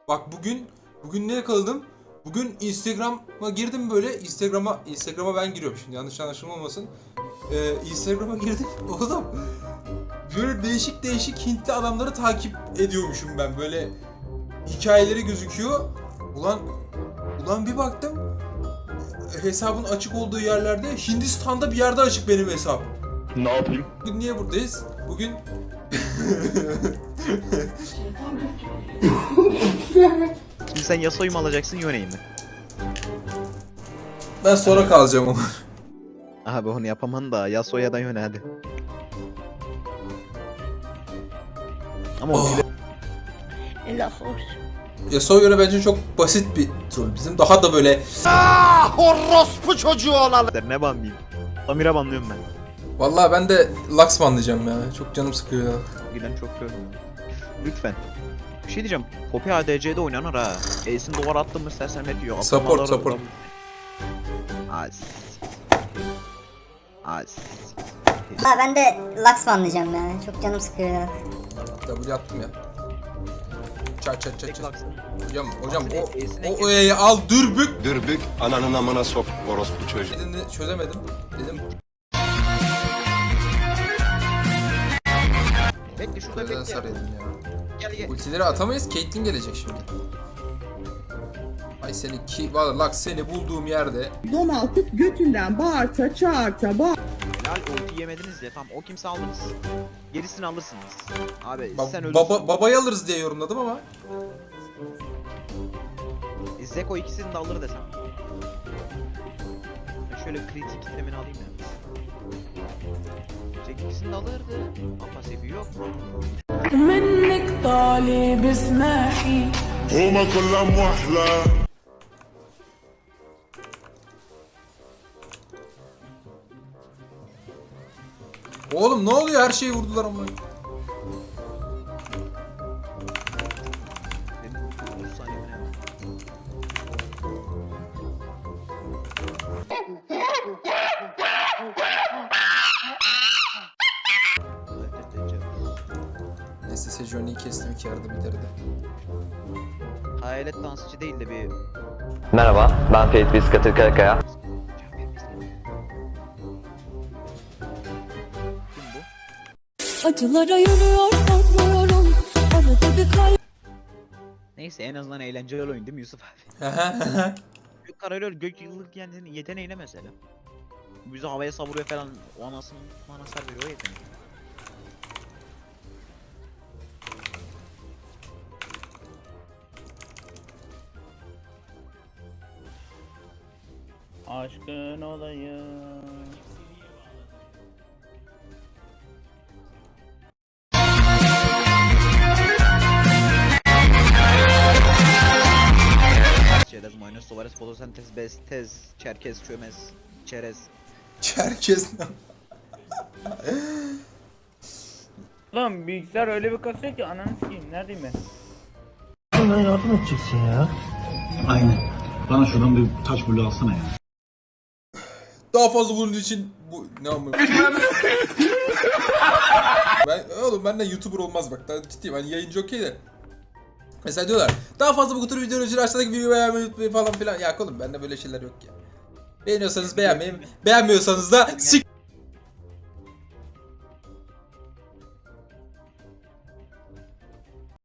Bak bugün ne yakaladım? Bugün Instagram'a girdim böyle. Instagram'a ben giriyorum şimdi, yanlış anlaşılma olmasın. Instagram'a girdim. Oğlum böyle değişik Hintli adamları takip ediyormuşum ben. Böyle hikayeleri gözüküyor. Ulan bir baktım, hesabın açık olduğu yerlerde Hindistan'da bir yerde açık benim hesap. Ne yapayım? Bugün niye buradayız? Bugün Şimdi sen Yasuo'yu mu alacaksın Yone'yi mi? ben sonra kalacağım ama. Abi onu yapaman da Yasuo'ya da Yone hadi. Ama Oh. ultiyle La hoş. Yasuo göre bence çok basit bir troll. Bizim daha da böyle Orospu çocuğu olalım. ne banlayayım? Samira banlıyorum ben. vallahi ben de Lux banlayacağım ya. Çok canım sıkıyor ya. Giden çok gördüm. Lütfen. Bir şey diyeceğim. Poppy ADC'de oynanır ha. Ace'in duvar attın mı sersemlet diyor. Support. Az. Ha ben de Lux banlayacağım ya. Çok canım sıkıyor ya. W attım ya. Çat. Tek Lux'ın. Hocam Ace'ine o E'yi al dürbük. Dürbük ananın amına sok orospu çocuğu. Dediğini çözemedim. Dedim Bekle şurada buradan bekle. sarayım ya. Gel. Ultileri atamayız. Caitlyn gelecek şimdi. Ay seni ki valla Lux, seni bulduğum yerde. Donaltıp götünden bağırta çağırta bağır. Helal ulti yemediniz ya tam o kimse aldınız. Gerisini alırsınız. Abi sen ölürsün. Babayı alırız diye yorumladım ama. Zeko ikisini de alır desem. Ben şöyle kritik kitlemini alayım ya. Zeko ikisini de alırdı. Ama pasifi yok. منك طالب اسمحي Huma kullam muhla. Oğlum ne oluyor, her şeyi vurdular ama. Benim 30 saniye mi ne var? Neyse Sejuani'yi kestim, 2 yerde bitirdi. Hayalet dansçı değil de bir... Merhaba, ben Ferit Biskatır Karakaya. Kim bu? Acılara yürüyor korkmuyorum. Arada bir kay. Neyse en azından eğlenceli oyun değil mi Yusuf abi? Gök kararıyor, gök yıllık yani yeteneğiyle mesela. Bizi havaya savuruyor falan, o anasını manasar veriyor o yetenek. Aşkın olayım. Çerez, mayonez, sovares, fotosentez, bestez, çerkez, çömez, çerez. Herkes Lan bilgisayar öyle bir kasıyor ki ananı sikeyim, neredeyim ben? Aynen. Bana şuradan bir taş bulu alsana ya. daha fazla bunun için bu ne amına. Oğlum benden YouTuber olmaz bak, daha ciddiyim, hani yayıncı okey de. Mesela diyorlar daha fazla bu tür videolar için aşağıdaki videoyu beğenmeyi unutmayın falan filan. Ya oğlum bende böyle şeyler yok ya. Beğeniyorsanız beğenmeyin, beğenmiyorsanız da